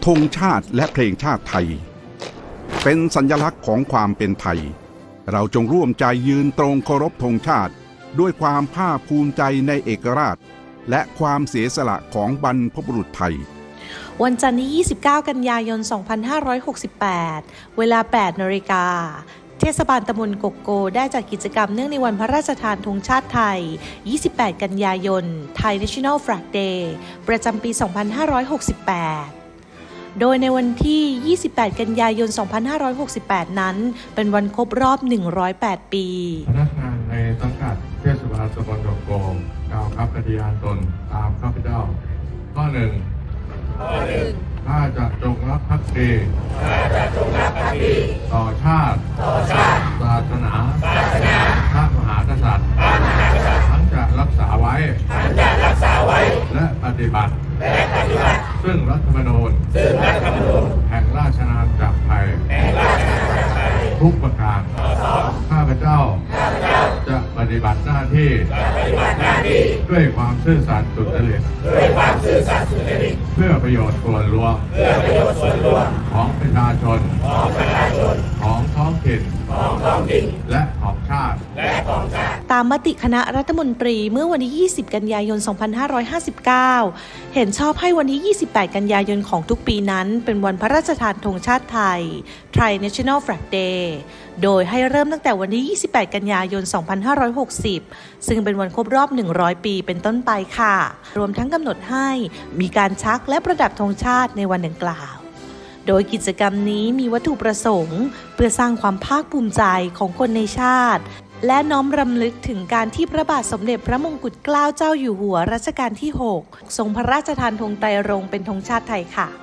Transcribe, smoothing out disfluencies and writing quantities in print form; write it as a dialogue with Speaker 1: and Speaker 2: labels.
Speaker 1: ธงชาติและเพลงชาติไทยเป็นสัญลักษณ์ของความเป็นไทยเราจงร่วมใจยืนตรงเคารพธงชาติด้วยความภาคภูมิใจในเอกราชและความเสียสละของบรรพบุรุษไทย
Speaker 2: วันจันทร์ที่ 29 กันยายน 2568 เวลา 8 นาฬิกาเทศบาลตำบลกกโกได้จัดกิจกรรมเนื่องในวันพระราชทานธงชาติไทย 28 กันยายน Thai National Flag Day ประจำปี 2568 โดยในวันที่ 28 กันยายน 2568 นั้นเป็นวันครบรอบ 108 ปี
Speaker 3: พนักงานในสังกัดเทศบาลตำบลกกโกกล่าวคำปฏิญาณตนตามข้าพเจ้าข้อ 1ข้าจะจงรักภักดีต่อชาติศาสนาพระมหากษัตริย์ทั้งจะรักษาไว้และปฏิบัติซึ่งรัฐธรรมนูญแห่งราชอาณาจักรไทยทุกประการข้าพเจ้าจะปฏิบัติหน้าที่ด้วยความซื่อสัตย์สุจริตเพื่อประโยชน์ส่วนรวมของประชาชนของท้องถิ่นและของชาติ
Speaker 2: ตามมติคณะรัฐมนตรีเมื่อวันที่ 20 กันยายน 2559 เห็นชอบให้วันที่ 28 กันยายนของทุกปีนั้นเป็นวันพระราชทานธงชาติไทย Thai National Flag Day โดยให้เริ่มตั้งแต่วันที่ 28 กันยายน 2560 ซึ่งเป็นวันครบรอบ 100 ปีเป็นต้นไปค่ะ รวมทั้งกำหนดให้มีการชักและประดับธงชาติในวันดังกล่าวโดยกิจกรรมนี้มีวัตถุประสงค์เพื่อสร้างความภาคภูมิใจของคนในชาติและน้อมรำลึกถึงการที่พระบาทสมเด็จพระมงกุฎเกล้าเจ้าอยู่หัวรัชกาลที่ 6 ทรงพระราชทานธงไตรรงค์เป็นธงชาติไทยค่ะ